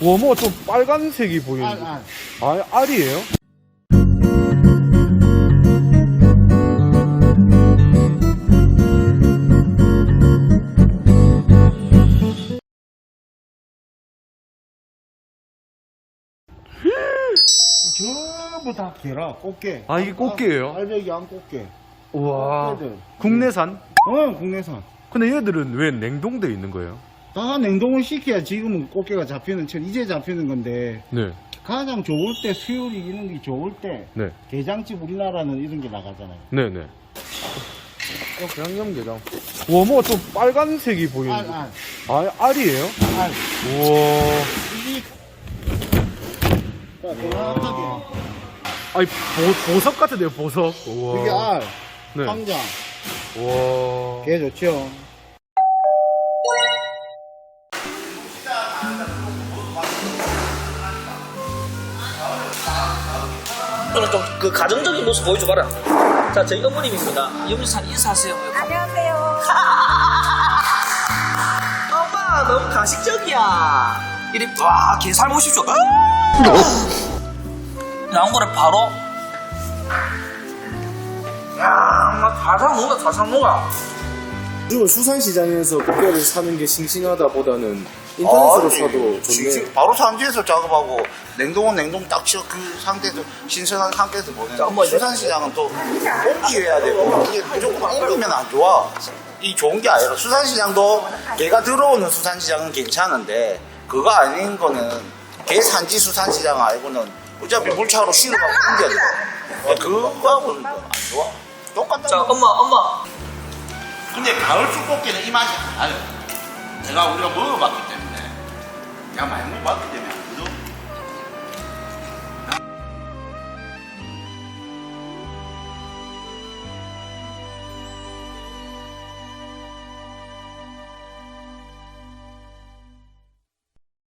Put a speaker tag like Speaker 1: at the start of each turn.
Speaker 1: 와, 뭐가 좀 빨간색이 보이는데. 아, 알이에요?
Speaker 2: 전부 다 개라, 꽃게.
Speaker 1: 아, 이게 꽃게예요?
Speaker 2: 알배기 안 꽃게.
Speaker 1: 우와.
Speaker 2: 꽃게들.
Speaker 1: 국내산?
Speaker 2: 국내산.
Speaker 1: 근데 얘들은 왜 냉동돼 있는 거예요?
Speaker 2: 다 냉동을 시켜야 지금은 꽃게가 잡히는, 이제 잡히는 건데,
Speaker 1: 네.
Speaker 2: 가장 좋을 때, 수율이 이런 게 좋을 때,
Speaker 1: 네.
Speaker 2: 게장집 우리나라는 이런 게 나가잖아요.
Speaker 1: 네네. 양념게장. 와, 뭐가 좀 빨간색이 보이는데. 아, 알이에요?
Speaker 2: 알.
Speaker 1: 우와.
Speaker 2: 이게, 정확하게.
Speaker 1: 아니, 보석 같은데요, 보석. 우와.
Speaker 2: 이게 알,
Speaker 1: 네.
Speaker 2: 황장.
Speaker 1: 우와.
Speaker 2: 게 좋죠.
Speaker 3: 오늘 좀 그 가정적인 모습 보여줘봐라. 자, 저희 어머님입니다. 염리산 인사하세요.
Speaker 4: 안녕하세요.
Speaker 3: 엄마, 너무 가식적이야. 이리, 와, 게 삶으십시오. 나온 거를 바로. 야, 엄마, 다 사 먹어.
Speaker 5: 요즘은 수산시장에서 꽃게를 사는 게 싱싱하다 보다는 인터넷으로 사도 좋네.
Speaker 6: 바로 산지에서 작업하고 냉동은 냉동 딱 치어 그 상태에서 신선한 상태에서 보내는.
Speaker 3: 자, 엄마,
Speaker 6: 수산시장은 또 옮겨야 되고 이게 무조건 옮기면 안 좋아. 이 좋은 게 아니라 수산시장도 개가 들어오는 수산시장은 괜찮은데 그거 아닌 거는 개 산지 수산시장 알고는 어차피 물차로 실어가고 옮겨야 돼. 그거하고는 안 좋아. 똑같다.
Speaker 3: 자, 엄마.
Speaker 6: 근데 가을 쑥꽃게는 이 맛이 안 나요. 우리가 먹어봤기 때문에. 내가 많이 먹어봤기 때문에.